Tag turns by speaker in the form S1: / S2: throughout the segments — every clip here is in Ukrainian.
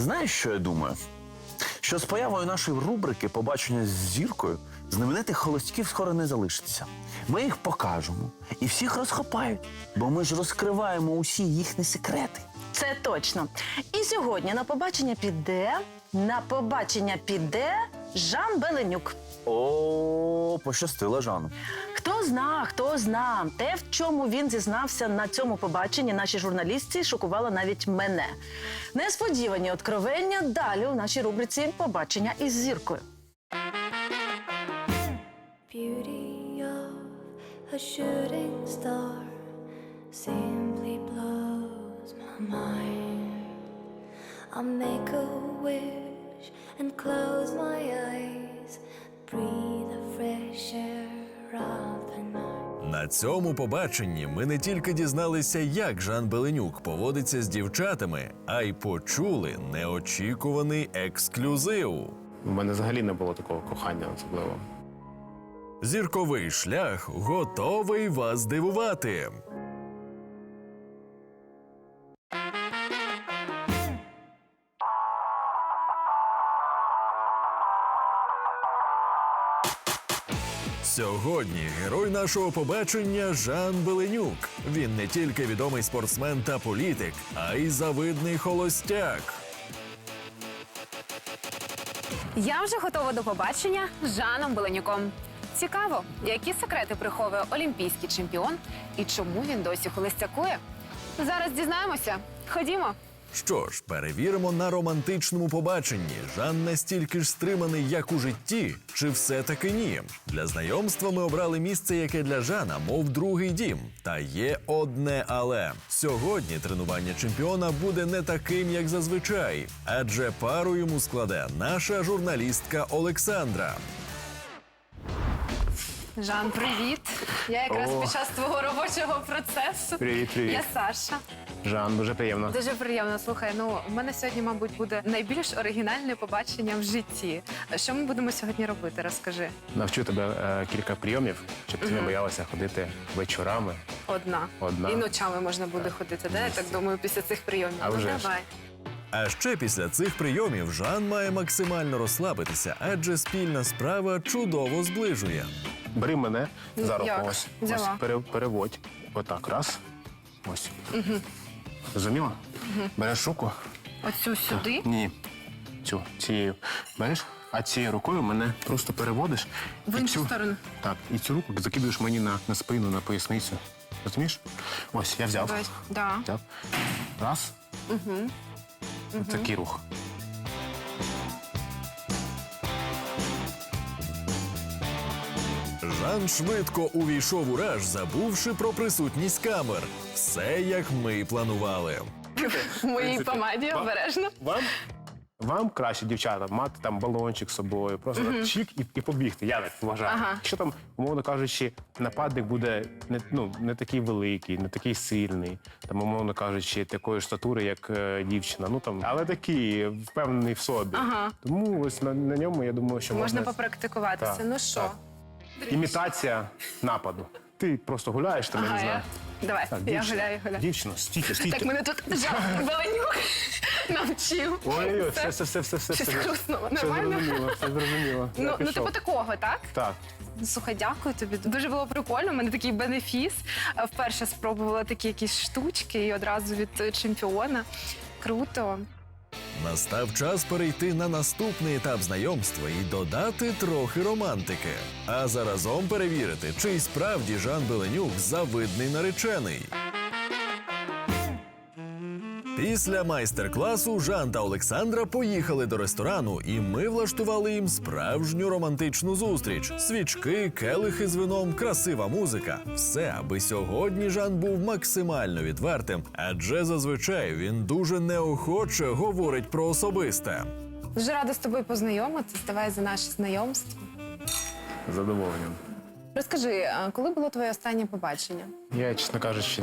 S1: Знаєш, що я думаю? Що з появою нашої рубрики «Побачення з зіркою» знаменитих холостяків скоро не залишиться. Ми їх покажемо і всіх розхопають, бо ми ж розкриваємо усі їхні секрети.
S2: Це точно. І сьогодні на побачення піде Жан Беленюк.
S1: О, пощастило Жану.
S2: Хто зна. Те, в чому він зізнався на цьому побаченні, нашій журналістці шокувало навіть мене. Несподівані откровення далі у нашій рубриці «Побачення із зіркою».
S3: Beauty of a shooting star simply blows my mind. I'll make a wish and close my eyes, breathe the fresh air of the night.
S4: На цьому побаченні ми не тільки дізналися, як Жан Беленюк поводиться з дівчатами, а й почули неочікуваний ексклюзив.
S5: У мене взагалі не було такого кохання особливо.
S4: Зірковий шлях готовий вас здивувати. Сьогодні герой нашого побачення Жан Беленюк. Він не тільки відомий спортсмен та політик, а й завидний холостяк.
S6: Я вже готова до побачення з Жаном Беленюком. Цікаво, які секрети приховує олімпійський чемпіон і чому він досі холостякує? Зараз дізнаємося. Ходімо.
S4: Що ж, перевіримо на романтичному побаченні. Жан настільки ж стриманий, як у житті, чи все-таки ні? Для знайомства ми обрали місце, яке для Жана, мов другий дім. Та є одне але. Сьогодні тренування чемпіона буде не таким, як зазвичай. Адже пару йому складе наша журналістка Олександра.
S6: Жан, привіт. Я якраз
S5: О.
S6: під час твого робочого процесу.
S5: Привіт.
S6: Я Саша.
S5: Жан, дуже приємно.
S6: Дуже приємно. Слухай, у мене сьогодні, мабуть, буде найбільш оригінальне побачення в житті. Що ми будемо сьогодні робити? Розкажи.
S5: Навчу тебе кілька прийомів, щоб ти не боялася ходити вечорами.
S6: Одна. І ночами можна буде ходити, да? Я так думаю, після цих прийомів.
S5: А вже ж.
S6: Давай.
S4: А ще після цих прийомів Жан має максимально розслабитися, адже спільна справа чудово зближує.
S5: Бери мене за руку.
S6: Як?
S5: Ось
S6: Взяла.
S5: переводь. Отак, раз. Ось. Зрозуміла? Береш руку.
S6: Оцю сюди?
S5: Ні. Цією. Береш, а цією рукою мене просто переводиш.
S6: В
S5: і
S6: іншу сторону?
S5: Так, і цю руку закидуєш мені на спину, на поясницю. Розумієш? Ось, я взяв.
S6: Ось, да.
S5: Взяв. Раз. Такий рух.
S4: Жан швидко увійшов у раж, забувши про присутність камер. Все, як ми й планували.
S6: В моїй помаді обережно.
S5: Вам краще, дівчата, мати там балончик з собою, просто так чик і побігти, я так вважаю.
S6: Ага.
S5: Якщо там, умовно кажучи, нападник буде не такий великий, не такий сильний, там, умовно кажучи, такої ж статури, як дівчина, але такий, впевнений в собі.
S6: Ага.
S5: Тому ось на ньому, я думаю, що
S6: Можна попрактикуватися.
S5: Так,
S6: Ну що?
S5: так. Імітація нападу. Ти просто гуляєш, там, я не знаю.
S6: Давай,
S5: Так,
S6: я гуляю.
S5: Дівчина, стійте.
S6: Так мене тут Жан Беленюк навчив.
S5: Ой,
S6: Все.
S5: все.
S6: Щось хрустнуло.
S5: Все
S6: Нормально?
S5: зрозуміло. Я
S6: Ну,
S5: пішов.
S6: типу такого, так?
S5: Так.
S6: Слухай, дякую тобі. Дуже було прикольно. У мене такий бенефіс. Вперше спробувала такі якісь штучки і одразу від чемпіона. Круто.
S4: Настав час перейти на наступний етап знайомства і додати трохи романтики. А заразом перевірити, чи й справді Жан Беленюк завидний наречений. Після майстер-класу Жан та Олександра поїхали до ресторану, і ми влаштували їм справжню романтичну зустріч. Свічки, келихи з вином, красива музика. Все, аби сьогодні Жан був максимально відвертим, адже зазвичай він дуже неохоче говорить про особисте.
S6: Дуже рада з тобою познайомитися. Давай за наше знайомство.
S5: З задоволенням.
S6: Розкажи, а коли було твоє останнє побачення?
S5: Я, чесно кажучи,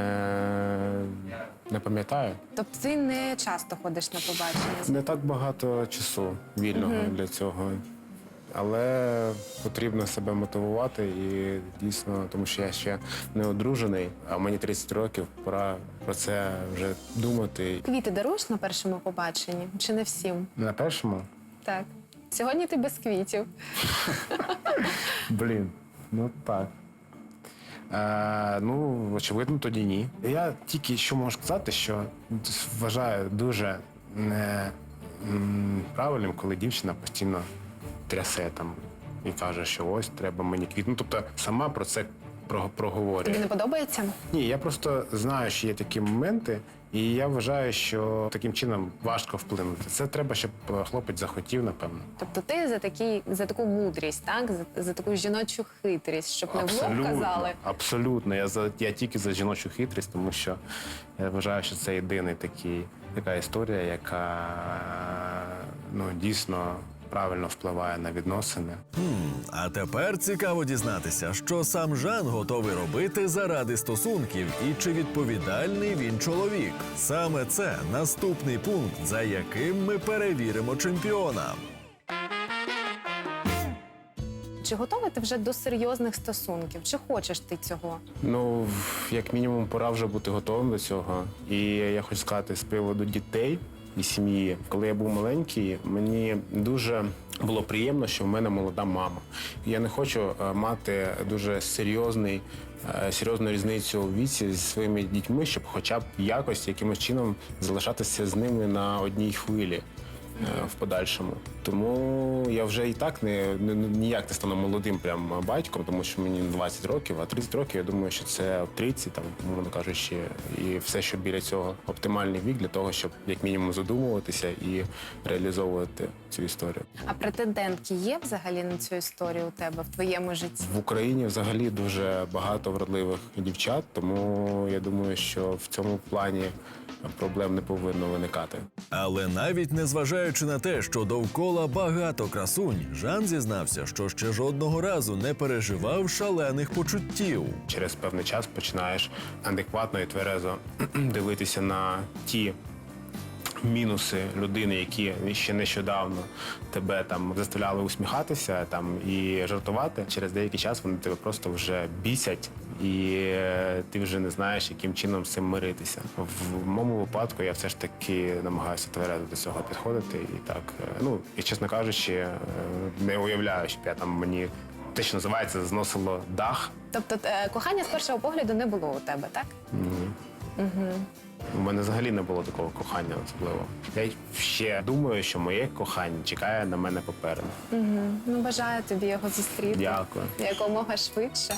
S5: не пам'ятаю.
S6: Тобто ти не часто ходиш на побачення?
S5: Не так багато часу вільного для цього. Але потрібно себе мотивувати і дійсно, тому що я ще не одружений, а мені 30 років, пора про це вже думати.
S6: Квіти даруєш на першому побаченні? Чи не всім?
S5: На першому?
S6: Так. Сьогодні ти без квітів.
S5: Блін, ну так. Ну, очевидно, тоді ні. Я тільки що можу сказати, що вважаю дуже неправильним, коли дівчина постійно трясе там і каже, що ось треба мені квіт. Ну, тобто сама про це проговорює.
S6: Тобі не подобається?
S5: Ні, я просто знаю, що є такі моменти, і я вважаю, що таким чином важко вплинути. Це треба, щоб хлопець захотів, напевно.
S6: Тобто ти за таку мудрість, так? За таку жіночу хитрість, щоб не в лоб казали.
S5: Абсолютно. Я тільки за жіночу хитрість, тому що я вважаю, що це єдина така історія, яка дійсно правильно впливає на відносини.
S4: А тепер цікаво дізнатися, що сам Жан готовий робити заради стосунків і чи відповідальний він чоловік. Саме це наступний пункт, за яким ми перевіримо чемпіона.
S6: Чи готовий ти вже до серйозних стосунків? Чи хочеш ти цього?
S5: Ну, як мінімум, пора вже бути готовим до цього. І я хочу сказати з приводу дітей і сім'ї. Коли я був маленький, мені дуже було приємно, що в мене молода мама. Я не хочу мати дуже серйозну різницю у віці зі своїми дітьми, щоб хоча б якимось чином залишатися з ними на одній хвилі в подальшому. Тому я вже і так ніяк не стану молодим прям батьком, тому що мені 20 років, а 30 років, я думаю, що це 30, там, мовно кажучи, і все, що біля цього оптимальний вік для того, щоб як мінімум задумуватися і реалізовувати цю історію.
S6: А претендентки є взагалі на цю історію у тебе в твоєму житті?
S5: В Україні взагалі дуже багато вродливих дівчат, тому я думаю, що в цьому плані проблем не повинно виникати.
S4: Але навіть незважаючи на те, що довкола багато красунь, Жан зізнався, що ще жодного разу не переживав шалених почуттів.
S5: Через певний час починаєш адекватно і тверезо дивитися на ті мінуси людини, які ще нещодавно тебе там заставляли усміхатися і жартувати. Через деякий час вони тебе просто вже бісять, і ти вже не знаєш, яким чином з цим миритися. В моєму випадку я все ж таки намагаюся тверезо до цього підходити. І так, і чесно кажучи, не уявляю, щоб мені те, що називається, зносило дах.
S6: Тобто кохання з першого погляду не було у тебе, так?
S5: Ні. У мене взагалі не було такого кохання особливо. Я ще думаю, що моє кохання чекає на мене попереду.
S6: Ну, бажаю тобі його зустріти.
S5: Дякую.
S6: Якомога швидше.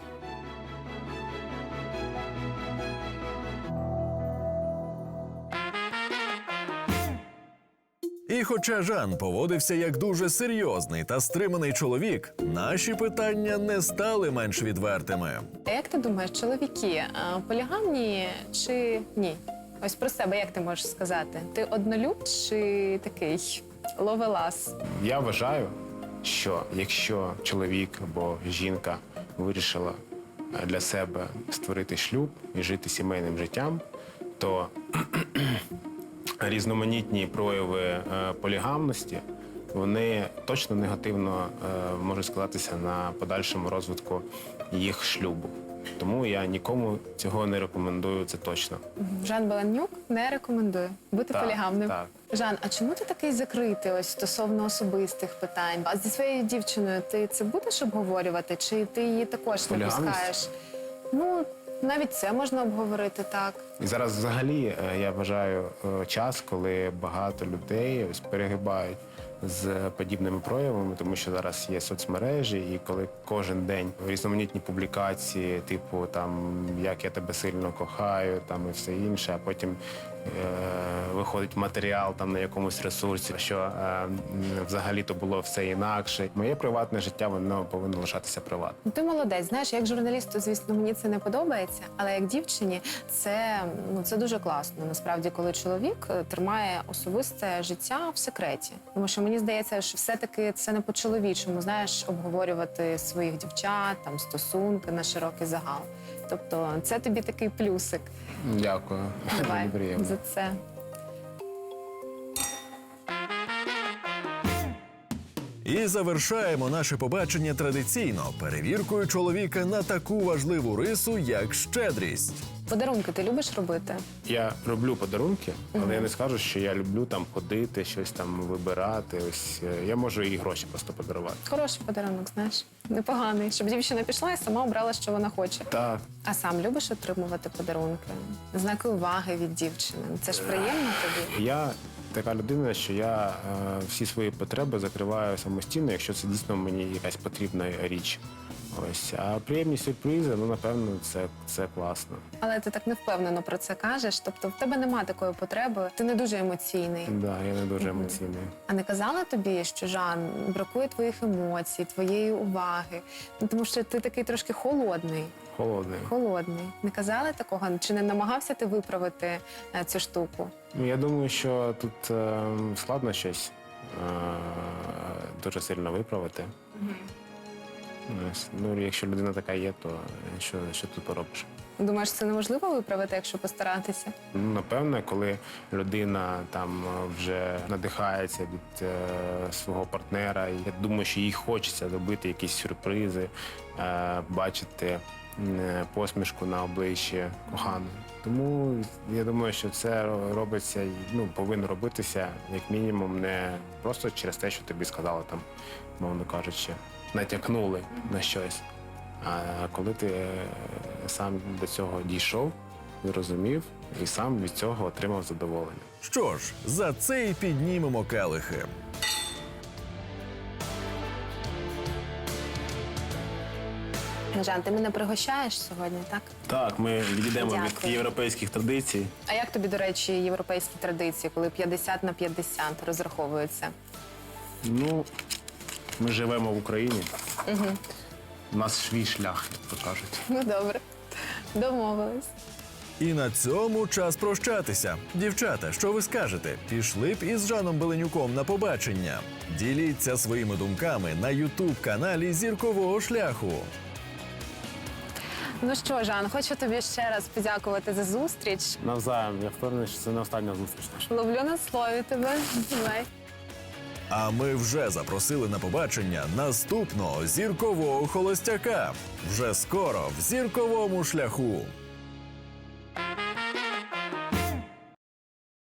S4: І хоча Жан поводився як дуже серйозний та стриманий чоловік, наші питання не стали менш відвертими.
S6: А як ти думаєш, чоловіки полігамні чи ні? Ось про себе як ти можеш сказати? Ти однолюб чи такий ловелас?
S5: Я вважаю, що якщо чоловік або жінка вирішила для себе створити шлюб і жити сімейним життям, то різноманітні прояви полігамності, вони точно негативно можуть складатися на подальшому розвитку їх шлюбу. Тому я нікому цього не рекомендую, це точно.
S6: Жан Беленюк не рекомендує бути
S5: Так,
S6: полігамним.
S5: так.
S6: Жан, а чому ти такий закритий ось стосовно особистих питань? А зі своєю дівчиною ти це будеш обговорювати, чи ти її також не
S5: Полігамність?
S6: пускаєш? Ну, навіть це можна обговорити, так.
S5: І зараз взагалі я вважаю час, коли багато людей ось перегибають з подібними проявами, тому що зараз є соцмережі, і коли кожен день різноманітні публікації, типу як я тебе сильно кохаю, і все інше, а потім виходить матеріал на якомусь ресурсі, що взагалі-то було все інакше. Моє приватне життя, воно повинно лишатися приватним.
S6: Ну, ти молодець. Знаєш, як журналісту, звісно, мені це не подобається, але як дівчині це дуже класно. Насправді, коли чоловік тримає особисте життя в секреті. Тому що мені здається, що все-таки це не по-чоловічому, знаєш, обговорювати своїх дівчат, стосунки на широкий загал. Тобто це тобі такий плюсик.
S5: Дякую.
S6: Давай
S5: Мені приємно.
S6: за це.
S4: І завершаємо наше побачення традиційно перевіркою чоловіка на таку важливу рису, як щедрість.
S6: Подарунки ти любиш робити?
S5: Я роблю подарунки, але я не скажу, що я люблю там ходити, щось там вибирати. Ось я можу і гроші просто подарувати.
S6: Хороший подарунок, знаєш. Непоганий, щоб дівчина пішла і сама обрала, що вона хоче.
S5: Так,
S6: А сам любиш отримувати подарунки? Знаки уваги від дівчини. Це ж приємно тобі?
S5: я така людина, що я всі свої потреби закриваю самостійно, якщо це дійсно мені якась потрібна річ. Ось, а приємні сюрпризи, ну напевно, це класно.
S6: Але ти так невпевнено про це кажеш. Тобто в тебе немає такої потреби, ти не дуже емоційний.
S5: Да, я не дуже емоційний.
S6: А не казала тобі, що Жан бракує твоїх емоцій, твоєї уваги? Ну, тому що ти такий трошки холодний.
S5: Холодний.
S6: Холодний. Не казали такого? Чи не намагався ти виправити цю штуку?
S5: Ну, я думаю, що тут складно щось дуже сильно виправити. Ось, ну, якщо людина така є, то що тут поробиш?
S6: Думаєш, це неможливо виправити, якщо постаратися?
S5: Ну, напевне, коли людина там вже надихається від свого партнера, і я думаю, що їй хочеться робити якісь сюрпризи, бачити посмішку на обличчі коханої. Тому я думаю, що це робиться, ну, повинно робитися як мінімум не просто через те, що тобі сказали там, мовно кажучи, натякнули на щось. А коли ти сам до цього дійшов, зрозумів і сам від цього отримав задоволення.
S4: Що ж, за це і піднімемо келихи.
S6: Жан, ти мене пригощаєш сьогодні, так?
S5: Так, ми відійдемо від
S6: Дякую.
S5: європейських традицій.
S6: А як тобі, до речі, європейські традиції, коли 50/50 розраховуються?
S5: Ну, ми живемо в Україні. У нас свій шлях, як то кажуть.
S6: Ну, добре. Домовились.
S4: І на цьому час прощатися. Дівчата, що ви скажете? Пішли б із Жаном Беленюком на побачення? Діліться своїми думками на ютуб-каналі Зіркового шляху.
S6: Ну що, Жан, хочу тобі ще раз подякувати за зустріч.
S5: Навзаєм, я впевнений, що це не остання зустріч наша.
S6: Ловлю на слові тебе. Давай.
S4: А ми вже запросили на побачення наступного зіркового холостяка. Вже скоро в Зірковому шляху.